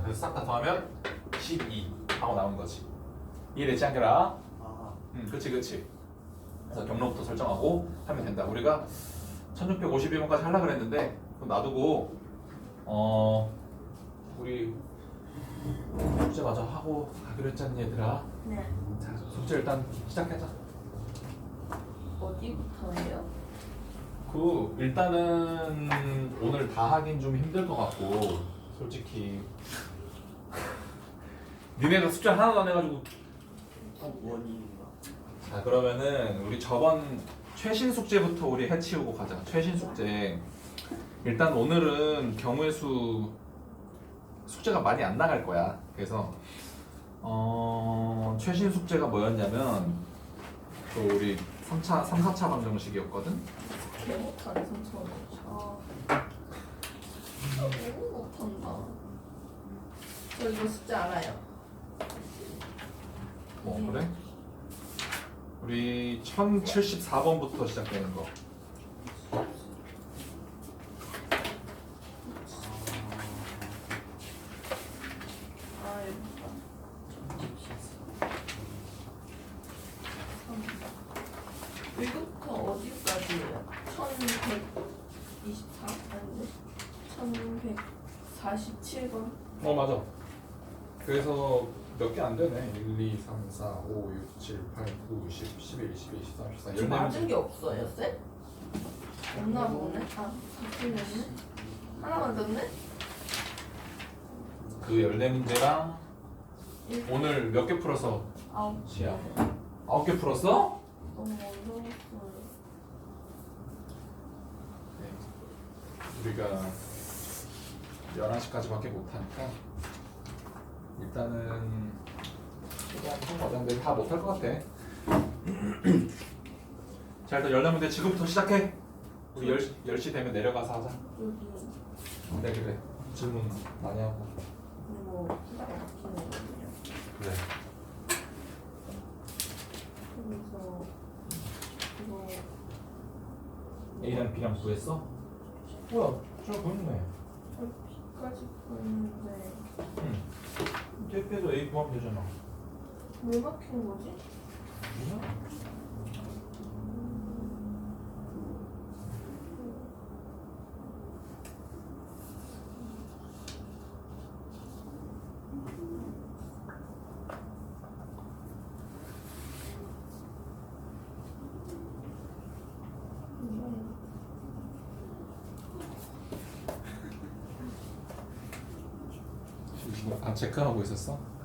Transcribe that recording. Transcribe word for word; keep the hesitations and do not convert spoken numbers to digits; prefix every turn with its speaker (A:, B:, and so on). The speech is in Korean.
A: 그래서 싹 다 더하면 십이 하고 나온 거지. 이해되지 않게라?
B: 아,
A: 응, 그치 그치. 그래서 경로부터 설정하고 하면 된다. 우리가 천육백오십일 번까지 하려고 그랬는데 그럼 놔두고 어 우리 숙제 마저 하고 가기로 했잖니 얘들아.
C: 네.
A: 자 숙제 일단 시작하자.
C: 어디부터예요?
A: 그 일단은 오늘 다 하긴 좀 힘들 것 같고 솔직히 니네가 숙제 하나도 안 해가지고.
B: 어, 원인인가?
A: 자 그러면은 우리 저번 최신 숙제부터 우리 해치우고 가자. 최신 숙제 일단 오늘은 경우의 수 숙제가 많이 안 나갈 거야. 그래서 어 최신 숙제가 뭐였냐면 또 우리 삼 차, 삼, 사 차 방정식이었거든.
C: 개 못하네 삼천. 아. 너무 못한다. 저 이거 숙제 알아요.
A: 어 그래? 우리 천칠십사 번부터 시작되는 거.
C: 아 여기다. 여기부터 어디까지예요? 천백이십사 아닌데? 천백사십칠 번.
A: 어 맞아. 그래서 몇 개 안 되네. 일, 이, 삼, 사, 오, 육, 칠, 팔, 구, 십, 십일, 십이, 십삼, 십사,
C: 저 맞은 게 없어요, 쌤? 없나 보네. 아, 바뀌었네. 하나 맞았네?
A: 그 열네 문제랑
C: 일,
A: 오늘 몇 개 풀어서
C: 아홉.
A: 시야. 아홉 개 풀었어?
C: 너무 어려웠어요.
A: 네. 우리가 열한 시까지밖에 못하니까 일단은 최대한 해보자. 근데 다 못할 것 같아. 자 일단 열네 문제 지금부터 시작해. 우리 열 시, 열 시 되면 내려가서 하자.
C: 여기
A: 네 그래. 질문 많이 하고.
C: 뭐 키가 바뀌는 거거든요.
A: 그래.
C: 그래서 이거
A: A랑 B랑 구했어? 뭐야? 잘 보이네.
C: B까지 보였는데
A: 응. 택배도 A 구하면 되잖아.
C: 왜 막힌 거지?
A: 뭐야? 지금 아 체크하고 있었어?